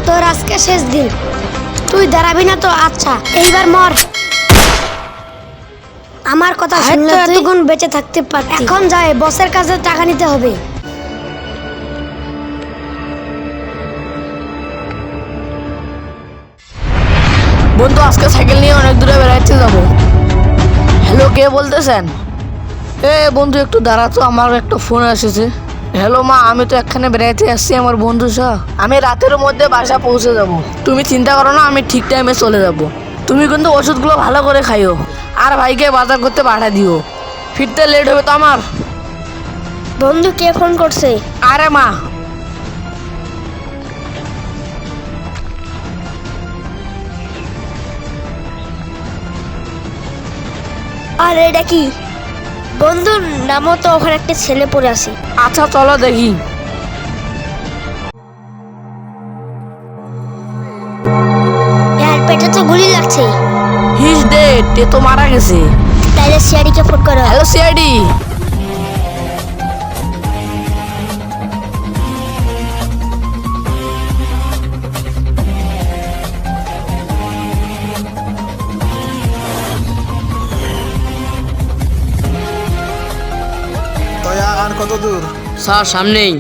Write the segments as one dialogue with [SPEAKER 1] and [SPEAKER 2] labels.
[SPEAKER 1] তোর আজকে শেষ দিন, তুই দাঁড়াবি না তো? আচ্ছা এইবার মর। আমার কথা শুনলে তুই এতক্ষণ বেঁচে থাকতে পারতি। এখন যাই, বসের কাছে টাকা নিতে হবে।
[SPEAKER 2] বন্ধু, আজকে সাইকেল নিয়ে অনেক দূরে বেড়াইতে যাবো। হ্যালো, কে বলতেছেন? বন্ধু একটু দাঁড়া তো, আমার একটা ফোন এসেছে। হ্যালো মা, আমি তো এখানে বেড়াইতে আসছি আমার বন্ধু সহ। আমি রাতের মধ্যে বাসা পৌঁছে যাব। তুমি চিন্তা করো না, আমি ঠিক টাইমে চলে যাব। তুমি কিন্তু ওষুধগুলো ভালো করে খাইও, আর ভাইকে বাজার করতে পাঠা দিও। ফিরতে লেট হবে তো আমার।
[SPEAKER 1] বন্ধু, কে ফোন করছে?
[SPEAKER 2] আরে মা।
[SPEAKER 1] আর এটা কি? বন্ধুর নামও তো ওখানে একটা ছেলে পড়ে আছে।
[SPEAKER 2] আচ্ছা চলো দেখি।
[SPEAKER 1] ইয়ার পেটে তো গুলি লাগছে।
[SPEAKER 2] হিজ ডেড, এ তো মারা গেছে।
[SPEAKER 1] তাইলে সিআইডিকে ফোন করো।
[SPEAKER 2] Hello CID.
[SPEAKER 3] আর কত দূর?
[SPEAKER 2] স্যার সামনেই।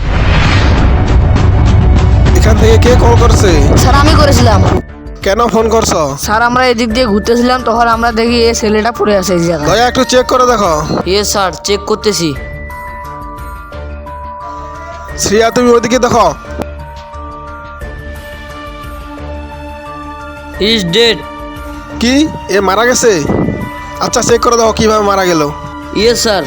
[SPEAKER 3] এখান থেকে কে কল করছে?
[SPEAKER 2] স্যার আমি করেছিলাম।
[SPEAKER 3] কেন ফোন করছো?
[SPEAKER 2] স্যার আমরা এদিক দিয়ে ঘুরতেছিলাম, তখন আমরা দেখি এই ছেলেটা পড়ে আছে এই জায়গায়।
[SPEAKER 3] দয়া একটু চেক করে দেখো।
[SPEAKER 2] ইয়ে স্যার, চেক করতেছি।
[SPEAKER 3] শ্রিয়া, তুমি ওইদিকে দেখো।
[SPEAKER 2] Is dead.
[SPEAKER 3] কি, এ মারা গেছে? আচ্ছা চেক করে দেখো কিভাবে মারা গেল।
[SPEAKER 2] ইয়ে স্যার।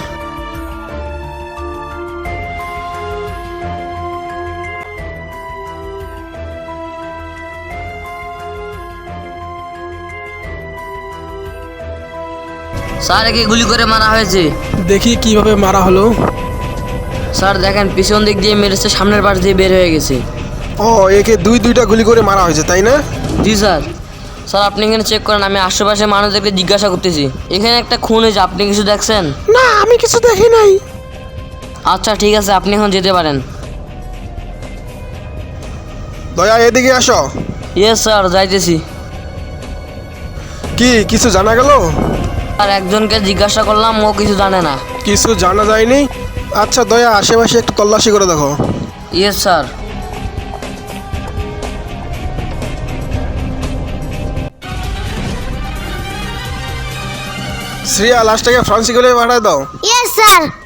[SPEAKER 2] স্যার একে গুলি করে মারা হয়েছে।
[SPEAKER 3] দেখি কিভাবে মারা হলো।
[SPEAKER 2] স্যার দেখেন, পিছন দিক দিয়ে মেরেছে, সামনের পাশ দিয়ে বের হয়ে গেছে।
[SPEAKER 3] ও, একে দুইটা গুলি করে মারা হয়েছে, তাই না?
[SPEAKER 2] জি স্যার। স্যার আপনি এখানে চেক করেন, আমি আশেপাশে মানুষদেরকে জিজ্ঞাসা করতেছি। এখানে একটা খুন হয়েছে, আপনি কিছু দেখছেন?
[SPEAKER 3] না, আমি কিছু দেখি নাই।
[SPEAKER 2] আচ্ছা ঠিক আছে, আপনি এখন যেতে পারেন।
[SPEAKER 3] দয়া এদিকে আসো।
[SPEAKER 2] ইয়েস স্যার, যাইতেছি।
[SPEAKER 3] কি কিছু জানা গেল?
[SPEAKER 2] আর একজনকে জিজ্ঞাসা করলাম, ও কিছু জানে না।
[SPEAKER 3] কিছু জানা যায়নি? আচ্ছা দয়া আশেপাশে একটু তল্লাশি করে দেখো।
[SPEAKER 2] Yes sir.
[SPEAKER 3] শ্রিয়া, লাশটাকে ফ্রান্সিকলে পাঠায় দাও।
[SPEAKER 1] Yes sir.